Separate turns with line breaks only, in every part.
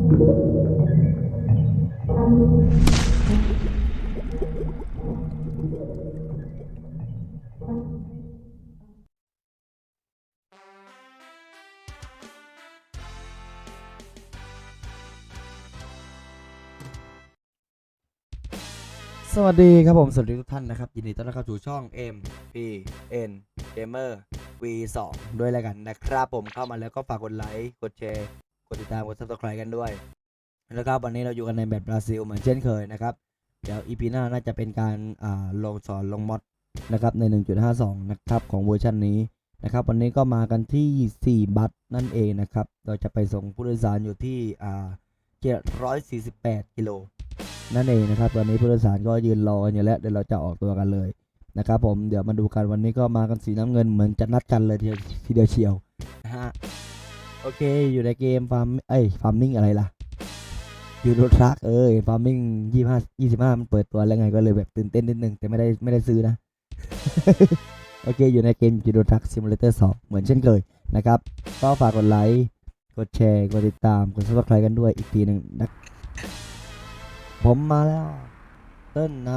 สวัสดีครับผมสวัสดีทุกท่านนะครับยินดีต้อนรับเข้าสู่ช่อง MPN Gamer V2 ด้วยแล้วกันนะครับผมเข้ามาแล้วก็ฝากกดไลค์กดแชร์กดติดตามกด Subscribe กันด้วยนะครับวันนี้เราอยู่กันในแบบบราซิลเหมือนเช่นเคยนะครับเดี๋ยว EP หน้าน่าจะเป็นการลงสอนลงมอดนะครับใน 1.52 นะครับของเวอร์ชันนี้นะครับวันนี้ก็มากันที่4บัตนั่นเองนะครับเราจะไปส่งผู้โดยสารอยู่ที่748 กิโลนั่นเองนะครับตอนนี้ผู้โดยสารก็ยืนรอกันอยู่แล้วเดี๋ยวเราจะออกตัวกันเลยนะครับผมเดี๋ยวมาดูกันวันนี้ก็มากันสีน้ำเงินเหมือนจะนัดกันเลยทีเดียวเชียวนะฮะโอเคอยู่ในเกมฟาร์มฟาร์มมิ่งอะไรล่ะยูโรทรัคฟาร์มมิ่ง25มันเปิดตัวแล้วไงก็เลยแบบตื่นเต้นนิดนึงแต่ไม่ได้ซื้อนะ โอเคอยู่ในเกมยูโรทรัคซิมูเลเตอร์2เหมือนเช่นเคยนะครับก็ฝากกดไลค์กดแชร์กดติดตามกด Subscribe กันด้วยอีกทีหนึ่งนะผมมาแล้วเต้นน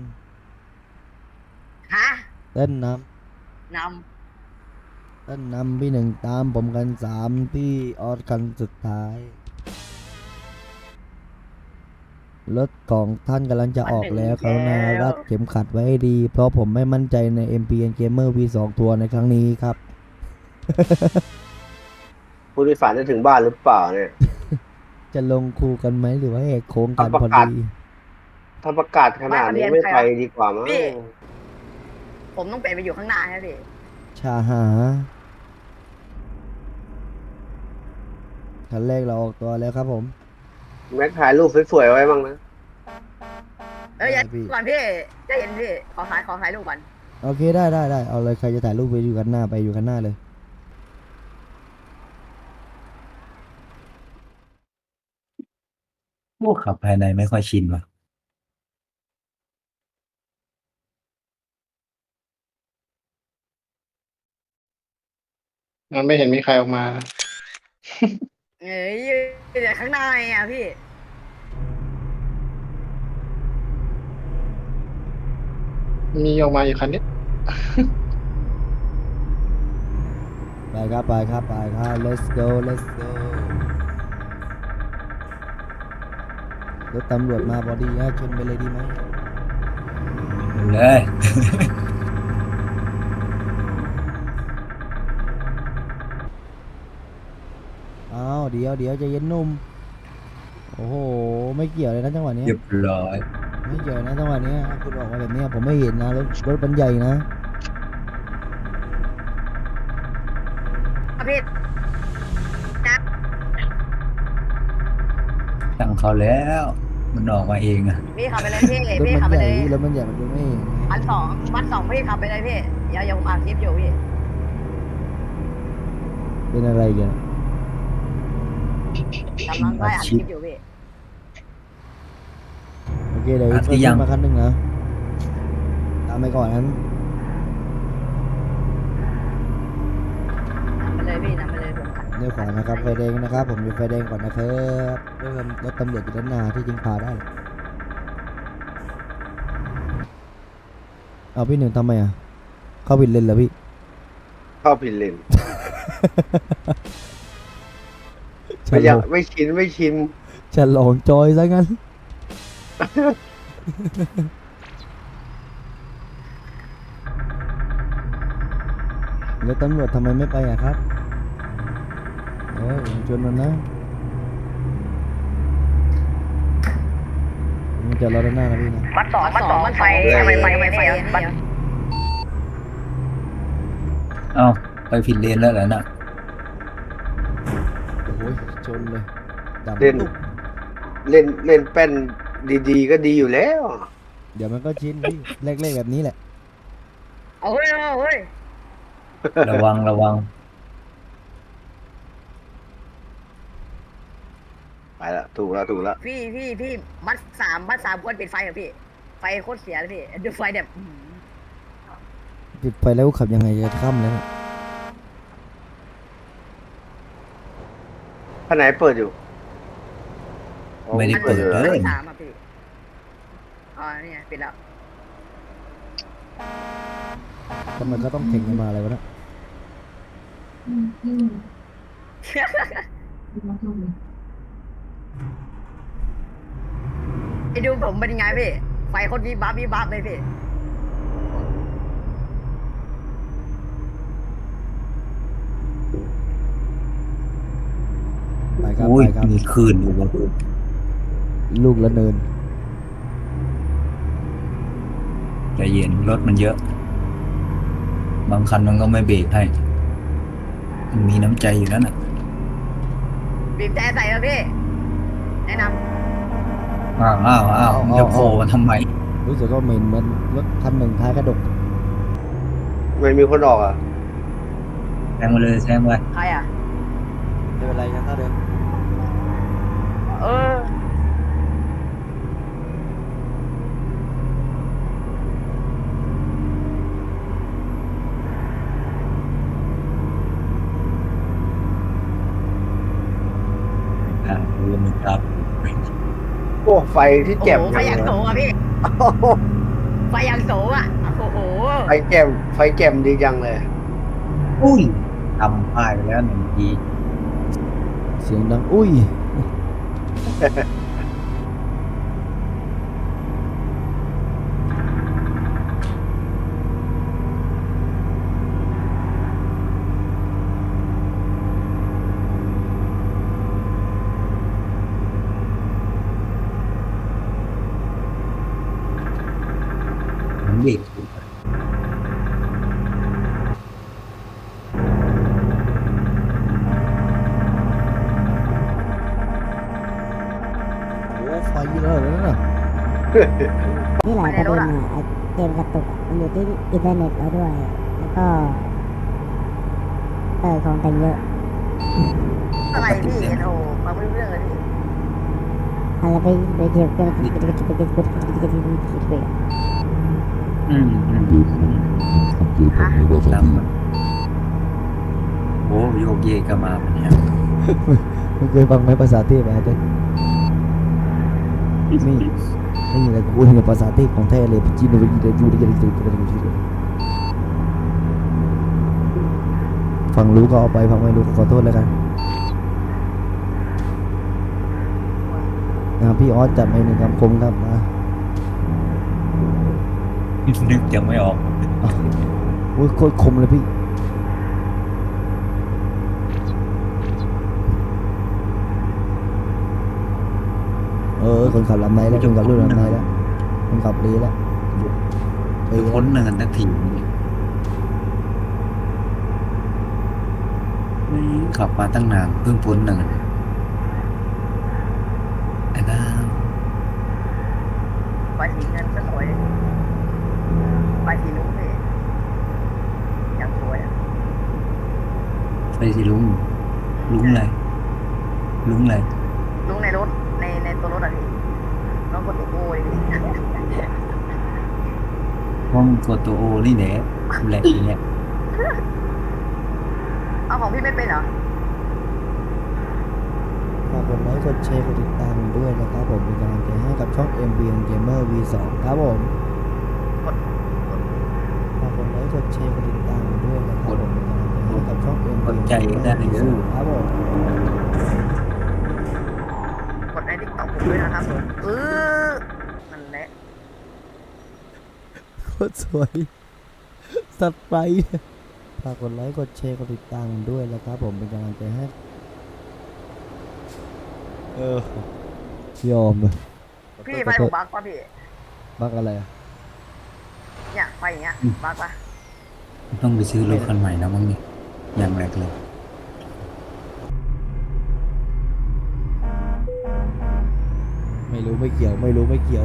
ฮะ
ำเต้นน
น
เต้นนำพี่หนึ่งตามผมกัน3พี่ออสกันสุดท้ายรถของท่านกำลังจะออกแล้วกรุณารัดเข็มขัดไว้ให้ดีเพราะผมไม่มั่นใจใน MPN Gamer V2 ทัวร์ในครั้งนี้ครับ
ผู้โดยสารจะถึงบ้านหรือเปล่าเนี่ย
จะลงคูกันไหมหรือว่าแหกโค้งกันพอดี
ถ้าประกาศขนาดนี้ไม่ไปดีกว่ามั้ง
พี่ผมต้องเปลี่ยนไปอยู่ข้างหน้าครับพี่
ชาหาคันแรกเราออกตัวแล้วครับผม
แม็กถ่ายรูปสวยๆไว้บ้างนะ
อย่า
ได้พี่
ก่อนพี่จะเห็นพี่ขอถ่ายรูปก่อน
โอเคได้เอาเลยใครจะถ่ายรูปไปอยู่กันหน้าไปอยู่กันหน้าเลย
พวกขับภายในไม่ค่อยชินว่ะ
มันไม่เห็นมีใครออกมา
เอ้ยอยู่ข้างหน้าไงอ่ะพี่
มีออกมาอยู่คันนี้
ไปครับlet's goรถตำรวจมาพอดีชนไปเลยดีไหม
เลย
อ้าวเดี๋ยวจะเย็นนุ่มโอ้โหไม่เกี่ยวเลยนะจังหวะนี้
เรียบร้อย
ไม่เกี่ยวนะจังหวะนี้คุณออกมาแบบนี้ผมไม่เห็นนะรถมันใหญ่นะ
พี่นะ
ตั้งเขาแล้ว มันออกมาเองอะ
พี่ขับไปเลยพี่
รถ
พี่
มัน
ขับ
ให
ไป
ญ่
เลย
รถมันใหญ่มันดูไม่เห็น
วันสองพี่ขับไปเลยพี่อย่าผมอัดคลิปอยู่พี่
เป็นอะไรกัน
กำลังไล่อัดคลิปอยู่พี่
โอเคเดี๋ยวอีกขึ้นมาคันหนึ่งนะตามไปก่อนนั้น
นำไปเลยพี่นำไปเลยผมขับ
เลี้ยวขวานะครับไฟแดงนะครับผมอยู่ไฟแดงก่อนนะครับรถตำรวจอยู่ด้านหน้าที่จริงพาได้เอาพี่หนึ่งทำไมอ่ะเข้าผิดเลนเหรอพี่
เข้าผิดเลน
ฉ
ไม่
ล
อยา
อก ง
ไม่ชิน
ฉลองจอยซะงั้น แล้วตำรวจทำไมไม่ไปอ่ะครับผมชวนมันนะมันจะรอด้านหน้านะพี่นะ
วันสองมันไฟทำไมไฟบัน
เอ้าไปผิดเลนแล้วเหรอน่ะ
โอ้โหชนเลยดำ
เล่น
ตุ๊บ
เล่นแป้นดีๆก็ดีอยู่แล้ว
เดี๋ยวมันก็ชินพี่เล็กๆแบบนี้แหละ
เอาเฮ้ย
ระวัง
ไปละถูกแล้ว
พี่มัดสามควรปิดไฟเหรอพี่ไฟโคตรเสียเลยพี่ดูไฟแบบ
ปิดไฟแล้วขับยังไงจะค่ำแล้วเนี่ย
ข้างไหนเปิดอยู่
ไม่ได้เปิด
หรอ
เลย
สามอ่ะพี่อ๋อเนี่ยปิดแล้ว
ทำไมก็ต้องเข่งกันมาอะไรวะเนะ
ไปดูผมเป็นยังไงพี่ไฟโคตรวิบวับเลยพี่
ไปครับ
อุ้
ไป
ย
ครับ
มีคืนอยู่บน
ลูกละเนิน
ใจเย็นรถมันเยอะ บางคันมันก็ไม่เบรกให้มันมีน้ำใจอยู่นั่นน่ะ
บีบแต่ใส่แล้วพี่แนะน
อ้าวมึงจะโผล่มาทำไม
รู้สึกว่าเหมือนรถคันหนึ่งท้ายกระดก
ไม่มีคนออกอ่ะ
แซงมาเลยแซงไป
ำใครอ่ะ
ไม่เป็นไรนะถ้าเดิน
เออ
รู้ว่ามันครับ
โอ้ไฟที่
โอ้
แจ่ม
โหไฟอย่างโส
เลย
อ่ะพี่ไฟอย่างโสอ่ะโอ้โห
ไฟแจ่มไฟแจ่มดีจังเลย
อุ้ยทำพลาดไปแล้วหนึ่งที
เสียงดังอุ้ย
มันเบรก
โอ้ไฟแล้วเหรอน่ะ
นี่หลายประเด็นอ่ะไอ้เกมกระตุกอะมันอยู่ที่อินเทอร์เน็ตเราด้วย แล้วก็ของแต่งเยอะ
อะไรพี่โอ้โหฟังไม่รู้เรื่องเลยพี่
อะไรไปเที่ยวกัน
อืมตามมาโอ้โยกเยกก็มาเป็นเนี่ย
มึงเคยฟังไหมภาษาเทพอะไรเต้นี่นี่แหละกูเนี่ยภาษาเทพของแท้เลยจีนเลยจีนเลยยูเลยยูเลยฟังรู้ก็เอาไปฟังไม่รู้ก็ขอโทษแล้วกันพี่ออสจัดไปหนึ่งคำคมครับมา
นึกยังไม่ออก
อุ้ยโคตรคมเลยพี่คนขับลำไหนแล้วคนขับรุ่นลำไหนแล้วคนขับดีแล้ว
พ้นเนินทักทีขับมาตั้งนานเพิ่งพ้นเนินไอ้น้า
ไฟสีเงินก็สวยไฟสีลุ้งพี่อย่างสวยอ่ะ
ไปสิลุงอะไรลุงอะไร
ลุ้งในรถในตัวรถอ่ะพี่น้องกดตัวโอ้ยพี่
ห้องกดตัวโอนี่แหละแหลกอย่างเงี้ย
เอาของพี่ไม่เป็นเหรอ
ฝากกดไลค์กดแชร์กดติดตามด้วยนะครับผมเป็นกำลังใจให้กับช่อง MBN Gamer V2 ครับผมฝากกดไลค์กดแชร์กดติดตามด้วยนะครับผมเป็นกำลังใจให้กับช่อง MBN Gamer V2 ครับผม
กดในติ๊กต็อกผมด้วยนะครับผมนั่นแหละ
โคตรสวยสัตว์ไปฝากกดไลค์กดแชร์กดติดตามด้วยนะครับผมเป็นกำลังใจให้ยอมเลย
พี่ไฟผมบักป่ะพี่
บักอะไรอะ
เนี่ยไฟอย่างเงี้ยบักป่ะ
ต้องไปซื้อรถคันใหม่แล้วมั้งนี่อย่างแรกเลย
ไม่รู้ไม่เกี่ยวผม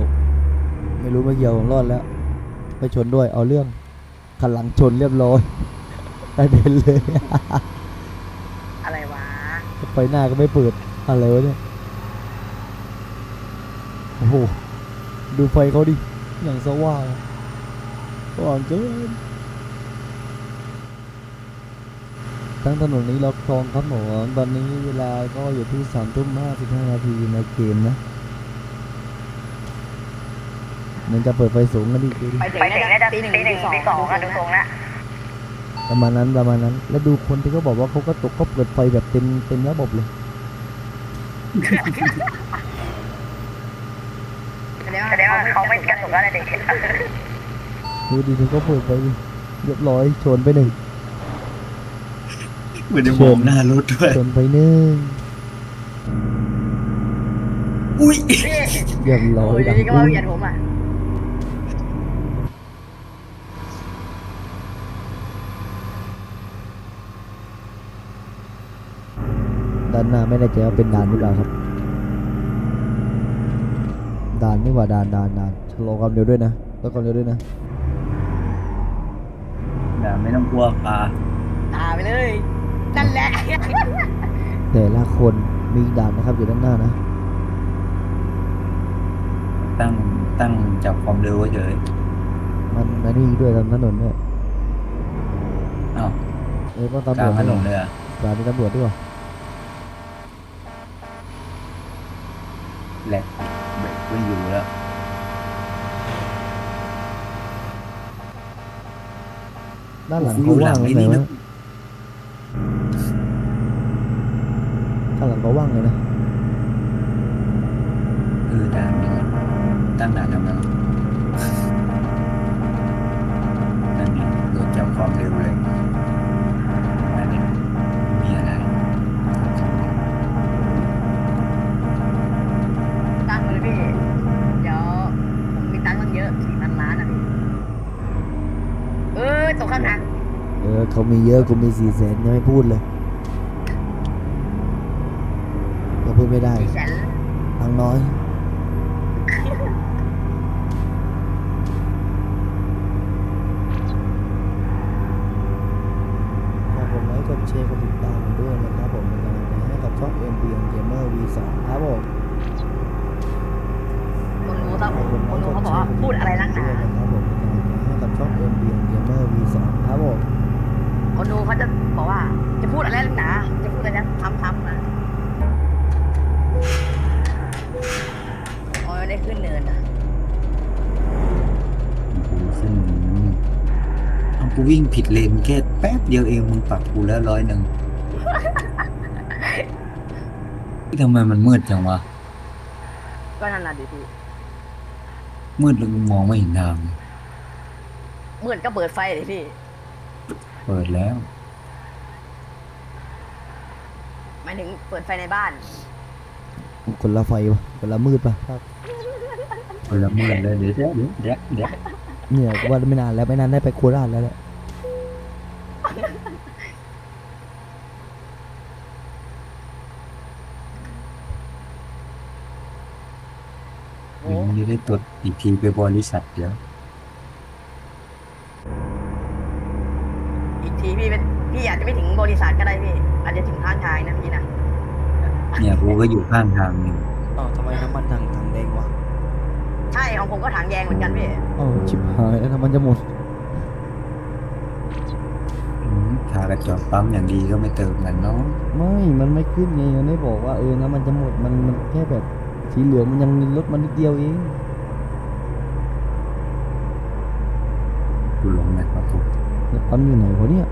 รอดแล้วไปชนด้วยเอาเรื่องคันหลังชนเรียบร้อยได้เด่นเลย
อะไรวะ
ไฟหน้าก็ไม่เปิดอะไรวะเนี่ยโอ้โหดูไฟเขาดิอย่างสว่างเกินทั้งถนนนี้ล็อกคลองครับหมอตอนนี้เวลาก็อยู่ที่3:55 นาทีในเกมนะมันจะเปิดไฟสูงกันอีกดูดิ
ไปถึงน่าจะตี 1 ตี 2อะดูทรงละ
ประมาณนั้นประมาณนั้น แล้วดูคนที่เขาบอกว่าเขาก็ตกก็เปิดไฟแบบเต็มระบบเลย
แสดงว่าเขาไม่กระตุกอะไรเด็ก
ดูดิเขาก็เปิดไฟเรียบร้อยชนไปหนึ่ง
ไม่ได้มองหน้ารถด้วย
ชนไปหนึ่ง
อุ้ย
เรียบร้อย
นี่ก็ว่าเบียดผมอ่ะ
ด้านหน้าไม่แน่ใจว่าเป็นด่านหรือเปล่าครับด่านนี่หว่าด่านชะลอความเร็วด้วยนะลดความเร็วด้วยนะ
อย่าไม่ต้องกลัวปลา
ไปเลยนั่นแหละ
แต่ละคนมีด่านนะครับอยู่ด้านหน้านะ
ตั้งจับความเร็วไว้เฉย
มันนี่ด้วยตามถนนเนี่ย
อ้าว
ต้อง
ก
ตำร
ลาว ง
จ
ถนนเลยอ่ะ
ด่านมีตำรวจด้วยวะ
แหลกเบรกไม่อยู่แล้ว
ด้านหลัง
กูอ
เขา
ยู่หลั
ว่าง
ง
เล
ไอ้
ย
นี่
นะ
นะ
ด้านหลังเขาว่างเลยนะ
ด่านนี้ตั้งด่านทำไมวะนั่นนี่โดนจับความเร็วเลยอันนี้มีอะไร
ตั้งเลยพี่เดี๋ยวผมมีตังค์ตั้งเยอะ4,000 ล้านอ่ะพี่ตกข้างทาง
เขามีเยอะกูมี400,000ยังไม่พูดเลยก็พูดไม่ได้
400,000
ตังค์น้อยฝากกดไลค์กดแชร์กดติดตามผมด้วยนะครับผมเป็นกำลังใจให้กับช่อง MBN Gamer V2 ครับผม
คนรู้ครับคนรู้เขาบอกว่าพูดอะไรนักหนา
ครับผมเป็นกำลังใจให้กับช่อง MBN Gamer V2 ครับผม
คนดูเขาจะบอกว่าจะพูดอะไรนักหนาจะพูดอะไรนะทำนะอ๋อได้ขึ้นเนินนะ
กูขึ้นเอากูวิ่งผิดเลนแค่แป๊บเดียวเองมึงปรับกูแล้ว100ทำไมมันมืดจังวะ
ก็นั่นน่ะดิพี่
มืดแล้วกูมองไม่เห็นทาง
มืดก็เปิดไฟเลยพี่
เปิดแล้ว
หมายถึงเปิดไฟในบ้าน
คนละไฟวะคนละมืดปะครับ
เปิดแล้วมืดเลยเดี๋ยว
เนี่ยว่าไม่นานแล้วไม่นานได้ไปโคราชแล้วแหละ
โอ้
มึงจะได้ตรวจอีกทีไปบริษัทเดี๋ยว
อีกทีพี่อาจจะไม่ถึงบริษัทก็ได้พี่อาจจะถึงข้างทางนะพี่นะ
เนี่ยกูก็อยู่ข้างทางนี่
อ้าวทำไมน้ำมันถังแดงวะ
ใช่ของผมก็ถังแยงเหมือนกันพี่
อ้าวชิบหายแล้วน้ำมันจะหมด
ทากระจกปั๊มอย่างดีก็ไม่เติมกันเนาะ
มันไม่ขึ้นไงมันไม่บอกว่าน้ำมันจะหมดมันแค่แบบสีเหลืองมันยังลดมันนิดเดียวเอง
กูลงไหนครับผม
แล้วปั๊มอยู่ไหนวะเนี่ย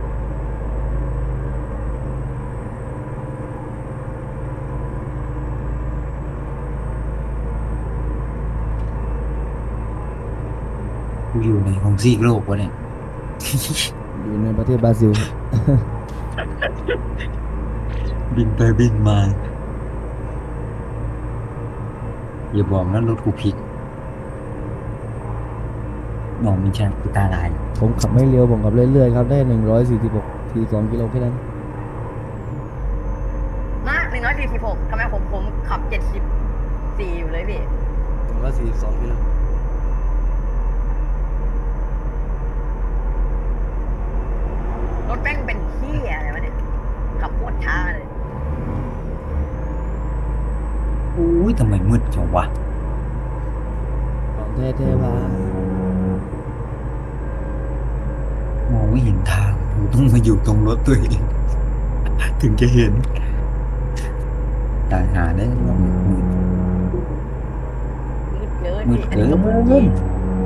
กูอยู่ในของซีกโลกวะเนี่ย
อยู่ในประเทศบราซิล
บินไปบินมา อย่าบอกนะรถกูผิดมองไม่ใช่กูตาลาย
ผมขับไม่เร็วผมขับเรื่อยๆครับได้146 42 กิโลแค่นั้น
มาก146ทำไมผมขับ74อยู่เลยพี่
142 กิโล
รถแป้งเป็นเหี้ยอะไรวะเนี่ยขับโคตรช้าเลย
อุ้ยทำไมมืดจังวะ
ของแท้ๆว่าม
องไม่เห็นทางกูต้องมาอยู่ตรงรถตัวเอง ถึงจะเห็นตายหาได้ลองมืด
มืดเกิน
มืด
พี่
เกิน
อันนี้ก็มืดจริง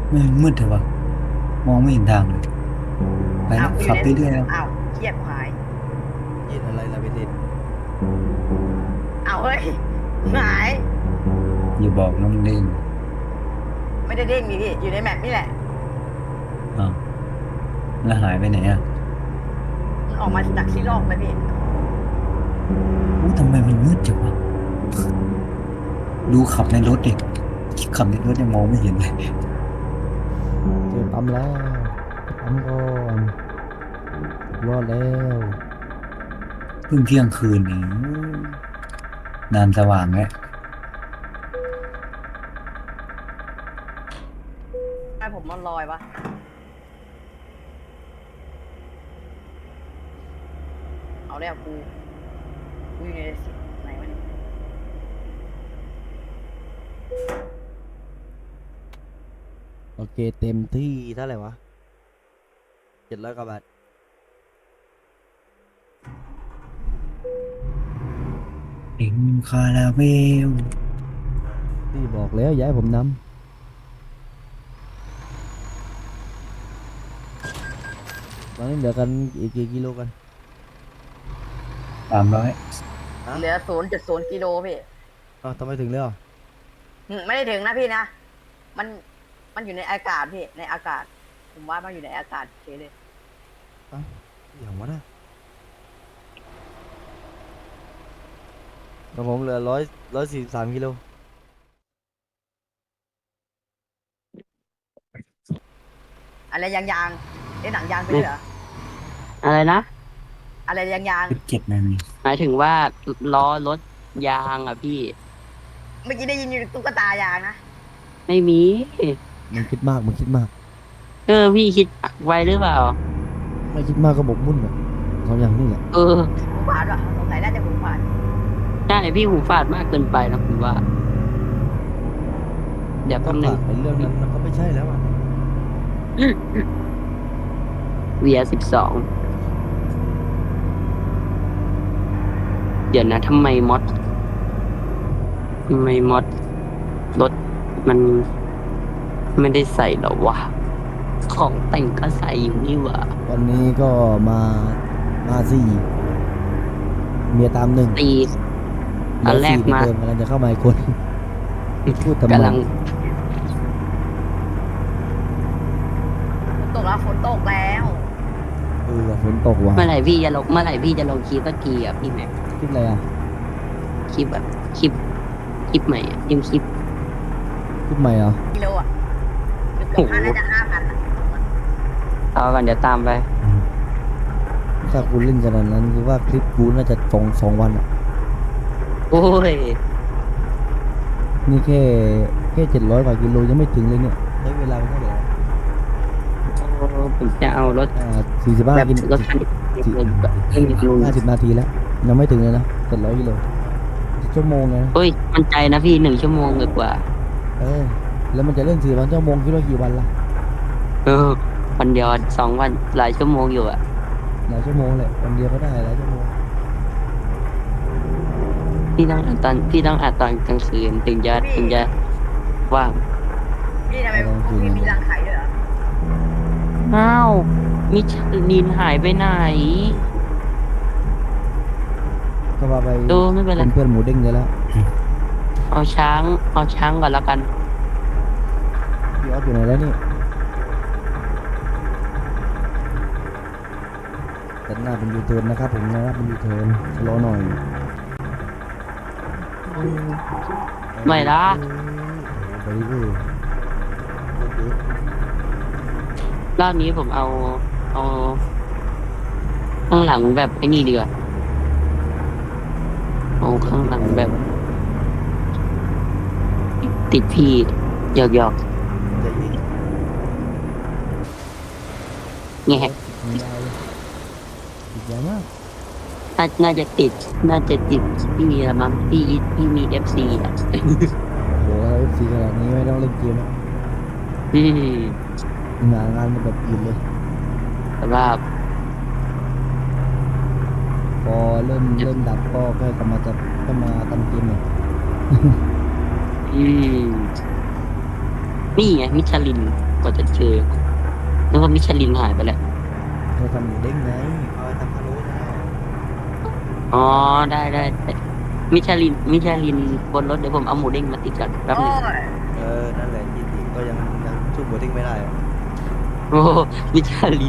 ไม่งมืดเถอะวะมองไม่เห็นทางเลยไป
อ้า
แล้ว ว
กูอ
ขับ
ยู่
ไป
ใน
เรื่อยแล้ว
อ้าวเครียดหาย
เย็นอะไรล่ะเบนเดน
อ้าวเฮ้ยหาย
อย่าบอกน้องเล่น
ไม่ได้เด้งนี่พี่อยู่ในแมปนี่แหละ
อ้าวแล้วหายไปไหนอ่ะ
มันออกมาจากที่ลอกเลยพี่
อู้ทำไมมันมืดจังวะดูขับในรถดิขับในรถยังมองไม่เห็นเลย
เจอปั๊มแล้วปั๊มก่อนรอดแล้ว
เพิ่งเที่ยงคืนเองนานสว่างแล้ว
ให้ผมมันลอยวะเอาแล้วกูอยู่ในสิไหนวะเนี่ย
โอเคเต็มที่เท่าไหร่วะ700 กว่าบาท
เอ็งคาราเวล
พี่บอกแล้วอย่าให้ผมนำตอนนี้เหลือกันอีกกี่กิโลกัน
300
เหลือ0.0กิโลพี่
อ้าวทำไมถึงแล้ว
ไม่ได้ถึงนะพี่นะ มันอยู่ในอากาศพี่ ในอากาศ ผมว่ามันอยู่ในอากาศเฉยเลย
อย่างวะนะของผมเหลือ143 กิโล
อะไรยางเล่นหนังยางไปด้วยเหรอ
อะไรนะ
อะไรยาง
17นาที
หมายถึงว่าล้อรถยางอ่ะพี่
เมื่อกี้ได้ยินอยู่ตุ๊กตายางนะ
ไม่มี
มึงคิดมากมึงคิดมาก
พี่คิดไว้หรือเปล่า
ไม่คิดมากก็บกมุ่นอ่ะสองอย่างนี่แหละ
เออ
หูฝาดวะสงสัยน่าจะหูฝาด
ใช่พี่หูฝาดมากเกินไปนะผมว่า เดี๋ยว
ก็
แป๊บนึ
ฝาง กไอ้เรื่องนั้นมันก็ไม่ใช่แล้วอ่ะ
เวีย12เดี๋ยวนะทำไมมอดรถมันไม่ได้ใส่หรอวะ ของแต่งก็ใส่อยู่นี่หว่า
วันนี้ก็มาสี่เมียตามหนึ่ง
ตี อันแรก
เหลื
มา
4เหอนเดิมกำลังจะเข้ามาอีกคน พูดทำไม
กำลัง
ตกแล้วฝนตกแล้ว
ฝนตกว่ะ
เมื่อไหร่พี่จะลงคลิปสักทีอ่ะพี่แม็ก
คิดอะไรอ่ะ
คลิปแบบคลิปใหม่อ่ะยังคลิป
คิดใหม่เหรอ
กิโลอ่ะเกือบ5น่าจะ5,000อ่ะ
ต่อกันเดี๋ยวตามไป
ถ้ากูเล่นขนาดนั้นคือว่าคลิปกูน่าจะสองวันอ่ะ
โอ้ย
นี่แค่700 กว่ากิโลยังไม่ถึงเลยเนี่ยใช้เวลาไปเท่าไหร่
ผมจะเอารถ
45 กิโล
รถคันนี้ลุง
50 นาทีแล้วยังไม่ถึงเลยนะ700 กิโลชั่วโมงไง
เฮ้ยมันใจนะพี่1 ชั่วโมงกว่า
แล้วมันจะเล่น4 วันชั่วโมงคิดว่ากี่วันล่ะ
วันเดียว2 วันหลายชั่วโมงอยู่อ่ะ
หลายชั่วโมงแหละวันเดียวก็ได้หลายชั่วโมง
พี่ต้องอัดตอนกลางคืนถึงจะว่าง
พี่ทำไมพวกพี่มีรังไข่ด้วยเหรอ
อ้าวมิชลินหายไปไหน
ก็ว่าไป
ดูไม่เป็นไร
เป็นเพื่อนหมูเด้งเลยแล้ว
เอาช้างก่อนแล้วกัน
พี่ออสอยู่ไหนแล้วนี่แต่หน้าเป็นยูเทิร์นนะครับผมนะเป็นยูเทิร์นชะลอหน่อย
ไม่ละ
ไปดิ
รอบนี้ผมเอาข้างหลังแบบไอ้นี่ดีกว่าเอาข้างหลังแบบ ติดพี่หยอกแงะ
ยาวเลยติดยาวมาก
น่าจะติดพี่ละมั้งพี่มี FC อ่ะ
โหFC ขนาดนี้ไม่ต้องเล่นเกมแล้ว
อืม
งานมันแบบอื่นเลย
แต่ว่า
พอเริ่มดับก็กลับมาทำเกมเนี่ย
อืมนี่ไงมิชลินว่าจะเจอนึกว่ามิชลินหายไปแล้ว
เขาทำหมูเด้งไงเขาทำพะโล้นะ
อ๋อได้มิชลินบนรถเดี๋ยวผมเอาหมูเด้งมาติดกันแป๊บ
โอ้
นึง
ย
นั่นแหละที่ติก็ยังสู้หมูเด้งไม่ได้อะ
โอ้มิชลิน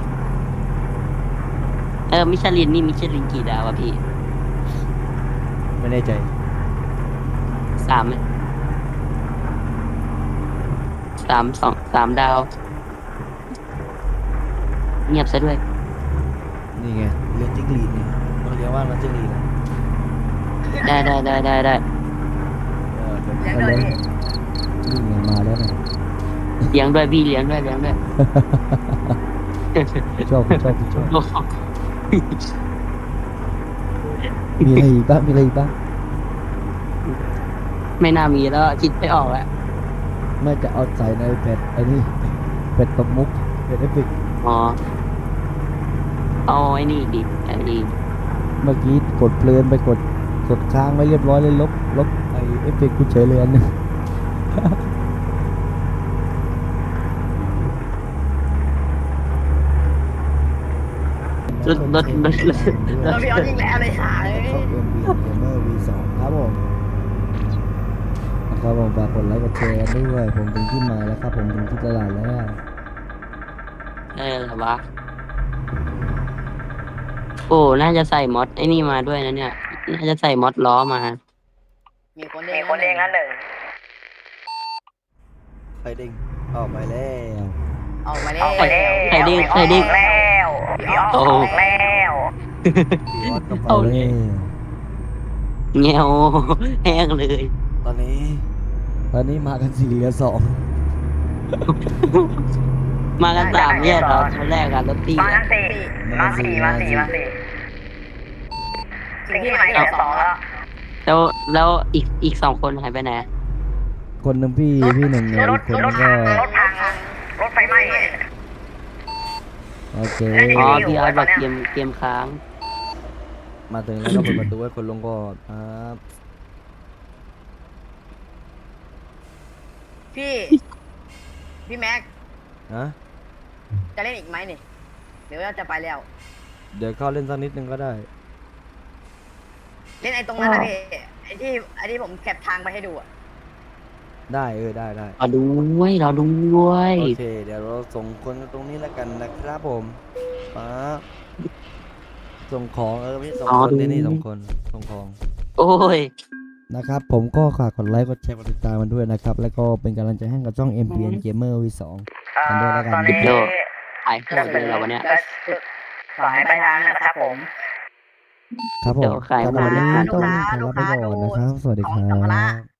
มิชลินนี่มิชลินกี่ดาวอะพี่
ไม่แน่ใจ
3ไหม3 ดาว เงียบซะด้วย
นี่ไงเลี้ยงจิ้งหรีดนี่ต้องเรียกว่ามันจิ้งหรีดนะ
ได้
เดี๋ยว
เลี้ยง
เขา
เลย
เลี้ยง
พี่
นี่ไงมาแล้วนะ
เลี้ยงด้วยพี่เลี้ยงด้วย
ชอบมีอะไรอีกบ้าง
ไม่น่ามีแล้วคิดไม่ออกแล้ว
ไม่จะเอาใส่ในเป็ดไอ้นี่เป็ดตบมุกเป็ดเอฟเฟกต์
อ๋อเอาไอ้นี่ดิไอ้นี่
เมื่อกี้กดเพลินไปกดค้างไว้เรียบร้อยเลยลบไอเอฟเฟกต์กูเฉยเลยอันนึง
รถ
แล้วพี่เอายิงแล้วเลยหาย
เข้า MV Gamer V2 ครับผมนะครับผมฝากกดไลค์กดแชร์ด้วยผมถึงที่มาแล้วครับผมถึงที่ตลาดแล้ว
เหรอวะโอ้น่าจะใส่มอดไอ้นี่มาด้วยนะเนี่ยน่าจะใส่มอดล้อมา
มีคนเองละหนึ่ง
ไฟเด้งออกไปแล้ว
ออกมาแล้ว
ใครดิ้ง
แล้วพี่ออก
โอ้
แล้ว
พี่ออสก็ไปแล้ว
เงี้ยวแห้งเลย
ตอนนี้มากัน4 เหลือ 2
มากัน3เนี่ยเหรอตอนแรกอะรถตี
มาสี่สิ่งที่หมายถึง2แล้ว
แล้วอีก2 คนหายไปไหน
คนหนึ่งพี่หนึ่งเนี่ยอีกคนนึงก็
รถพังรถไฟไหม้
โอเค
อ๋อพี่อาร์ตบอกเกมค้าง
มาถึงแล้วก็เปิดประตูให้คนลงก่อนครับ
พี่แม็ก
นะ
จะเล่นอีกไหมนี่เดี๋ยวเราจะไปแล้ว
เดี๋ยวเข้าเล่นสักนิดนึงก็ได้
เล่นไอ้ตรงนั้นนะพี่ไอ้ที่ผมแคปทางไปให้ดูอะ
ได้ได้
รอด้วย
โอเคเดี๋ยวเราส่งคนกันตรงนี้แล้วกันนะครับผมป๊าบส่งของไม่ส่งคนนี่ส่งคนส่งของ
โอ้ย
นะครับผมก็ฝากกดไลค์กดแชร์กดติดตามมันด้วยนะครับแล้วก็เป็นกำลังใจให้กับช่อง MPN Gamer V2 กันด้วยแล้วกัน
เดี๋ยวหายโหดเลยเหรอวันเนี้ย
สายไปทางนะครับผม
ครับผม
เดี๋ยวขาย
สำหรับวันนี้
หมด
ต้อง
ลูก
ขอ
ค้า
ลาไปก่อนนะครับ สวัสดีค
ของ
รั
สัมภาระ
บ